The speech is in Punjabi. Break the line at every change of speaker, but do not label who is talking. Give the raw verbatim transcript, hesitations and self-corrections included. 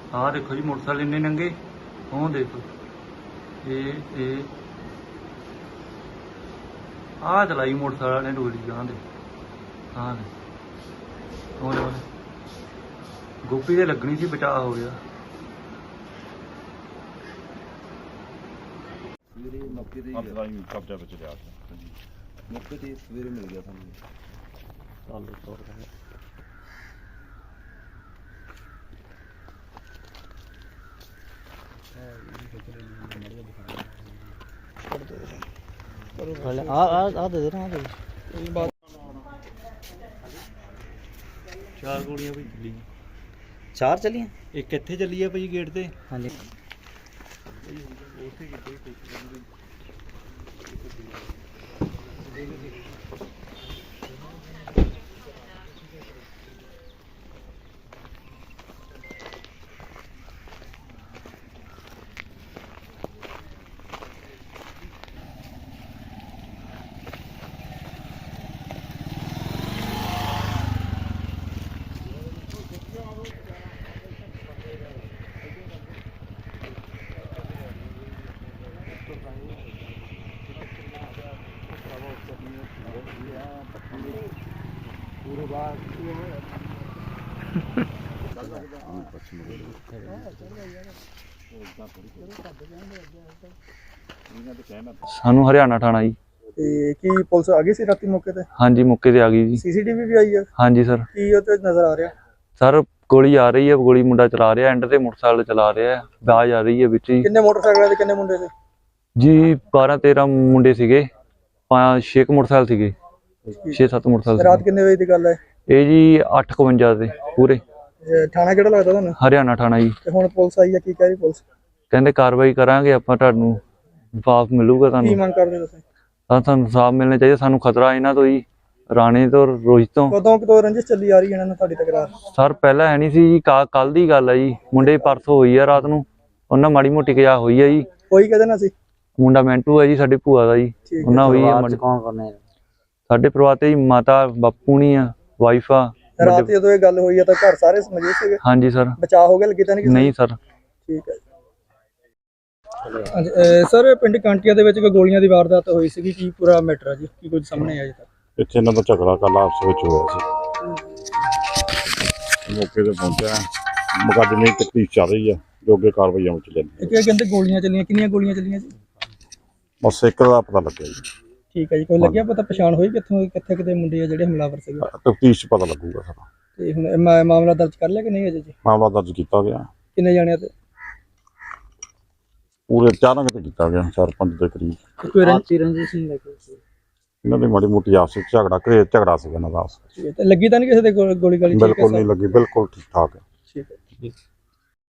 ਆਹ ਦੇਖੋ ਜੀ मोटरसाइकिल इन्ने नंगे ਉਹ देखो ये ये ਆਹ ਚਲਾਈ मोटरसाइकिल ने डोली जान दे हाँ दे ਉਹਦੇ ਉਹਦੇ गोपी ਦੇ लगनी सी बचा हो गया।
ਸਵੇਰੇ ਮੌਕੇ ਤੇ
ਕਬਜ਼ਾ ਵਿੱਚ ਲਿਆ
ਮੌਕੇ ਤੇ ਸਵੇਰੇ ਮਿਲ ਗਿਆ ਸਾਨੂੰ
चालू तौर है आ आ आ दे देना आ दे चार गोलियां भाई चली
चार चली
एक इत्थे चली है भाई गेट ते
हाँ जी
सानू हरियाणा थाना जी
ਤੇ ਕੀ ਪੁਲਿਸ ਆ ਗਈ ਸੀ ਰਾਤੀ ਮੌਕੇ ਤੇ?
हाँ जी मौके ते आ गई जी।
ਸੀਸੀਟੀਵੀ ਵੀ ਆਈ ਹੈ?
हाँ जी सर
ਕੀ ਉਹ ਤੇ ਨਜ਼ਰ ਆ ਰਿਹਾ?
सर गोली आ रही है, गोली मुंडा चला रहा है, एंड ते मोटरसाइकिल चला रहा है, आवाज आ रही है बिच ही
ਕਿੰਨੇ ਮੋਟਰਸਾਈਕਲਾਂ ਤੇ ਕਿੰਨੇ ਮੁੰਡੇ ਸੀ
जी। बारह तेरह मुंडे सीगे, पांच छे मोटरसाइकिल सीगे, छे सत्त मोटरसाइकिल
ਰਾਤ ਕਿੰਨੇ ਵਜੇ ਦੀ ਗੱਲ ਹੈ
ये जी अठ इकवंजा दे पूरे।
ਇਹ ਥਾਣਾ ਕਿਹੜਾ ਲੱਗਦਾ ਤੁਹਾਨੂੰ?
हरियाणा थाना जी।
ਤੇ ਹੁਣ ਪੁਲਿਸ ਆਈ ਹੈ, ਕੀ ਕਹਿ ਰਹੀ ਪੁਲਿਸ?
कहंदे कार्रवाई करांगे आपां, तुहानूं इंसाफ मिलूगा।
ਕੀ
तुहानूं
ਮੰਗ ਕਰਦੇ ਤੁਸੀਂ?
ਸਾਨੂੰ इंसाफ मिलना चाहिए। सानूं खतरा इन्हां तो ही, राणे तो रोहित तो।
ਕਦੋਂ ਕਿਤੋਂ ਰੰਜਿਸ਼ ਚੱਲੀ ਆ ਰਹੀ ਹੈ ਇਹਨਾਂ ਨਾਲ ਤੁਹਾਡੀ ਤਕਰਾਰ?
सर पहला है नहीं सी जी, कल दी गल है जी। मुंडे परसों होई है रात नूं, उन्हां माड़ी मोटी कजा होई है जी।
ਕੋਈ कहदे ना ਸੀ?
मुंडा मैंटू है जी, साडी भूआ दा जी।
ठीक है।
उन्हां होई है
परिवार च कौन कौन है?
साडे परिवार ते जी माता बापू नहीं आ, वाइफ आ।
ਰਾਤ ਜਦੋਂ ਇਹ ਗੱਲ ਹੋਈ ਹੈ ਤਾਂ ਘਰ ਸਾਰੇ ਮੌਜੂਦ ਸੀਗੇ?
हाँ जी सर।
ਬਚਾਅ ਹੋ ਗਿਆ, ਲੱਗੀ ਤਾਂ ਨਹੀਂ ਕਿਸੇ ਨੂੰ?
नहीं सर।
ਠੀਕ ਹੈ ਹਾਂਜੀ ਸਰ, ਪਿੰਡ ਕਾਂਟੀਆਂ ਦੇ ਵਿੱਚ ਕੋਈ ਗੋਲੀਆਂ ਦੀ ਵਾਰਦਾਤ ਹੋਈ ਸੀਗੀ, ਕੀ ਪੂਰਾ ਮੈਟਰ ਹੈ ਜੀ? ਕੀ ਕੁਝ ਸਾਹਮਣੇ ਆਇਆ ਜੀ ਤੱਕ?
ਇੱਥੇ ਇਹਨਾਂ ਦਾ ਝਗੜਾ ਕੱਲ ਆਪਸ ਵਿੱਚ ਹੋਇਆ ਸੀ। ਮੌਕੇ ਤੇ ਪਹੁੰਚਿਆ, ਮੁਕੱਦਮੇ ਦੀ ਤਫਤੀਸ਼ ਚੱਲ ਰਹੀ ਹੈ, ਜੋ ਅੱਗੇ ਕਾਰਵਾਈਆਂ ਵਿੱਚ ਲੈਂਦੀ
ਇਹ ਕੀ ਕਹਿੰਦੇ ਗੋਲੀਆਂ ਚੱਲੀਆਂ, ਕਿੰਨੀਆਂ ਗੋਲੀਆਂ ਚੱਲੀਆਂ ਜੀ?
ਬਸ ਇੱਕ ਦਾ ਪਤਾ ਲੱਗਿਆ ਜੀ।
ਠੀਕ ਹੈ ਜੀ, ਕੋਈ ਲੱਗਿਆ ਪਤਾ, ਪਛਾਣ ਹੋਈ ਕਿੱਥੋਂ ਕਿੱਥੇ ਕਿਤੇ ਮੁੰਡੇ ਆ ਜਿਹੜੇ ਹਮਲਾਵਰ ਸੀਗੇ?
ਤਫਤੀਸ਼ 'ਚ ਪਤਾ ਲੱਗੂਗਾ ਸਾਰਾ।
ਤੇ ਹੁਣ ਇਹ ਮਾ- ਮਾਮਲਾ ਦਰਜ ਕਰ ਲਿਆ ਕਿ ਨਹੀਂ ਅਜੇ ਜੀ?
ਮਾਮਲਾ ਦਰਜ ਕੀਤਾ ਗਿਆ,
ਕਿੰਨੇ ਜਾਣਿਆਂ ਤੇ?
ਪੂਰੇ ਚਾਰਾਂ ਕਿਤੇ ਕੀਤਾ ਗਿਆ, ਚਾਰ ਪੰਜ ਦੇ ਕਰੀਬ।
ਕੋਈ ਰੰਜ
आपसी रंजिश नहीं लगी?
ਇਹਨਾਂ ਦੀ ਮਾੜੀ ਮੋਟੀ ਆਪਸ ਵਿੱਚ ਝਗੜਾ ਘਰੇ ਝਗੜਾ ਸੀਗਾ ਇਹਨਾਂ ਦਾ ਆਪਸ ਵਿੱਚ।
ਤੇ ਲੱਗੀ ਤਾਂ ਨਹੀਂ ਕਿਸੇ ਦੇ ਗੋ- ਗੋਲੀ ਗਾਲੀ? ਠੀਕ ਹੈ
ਬਿਲਕੁਲ
ਸਰ।
ਨਹੀਂ ਲੱਗੀ, ਬਿਲਕੁਲ ਠੀਕ ਠਾਕ ਹੈ।
ਠੀਕ ਹੈ।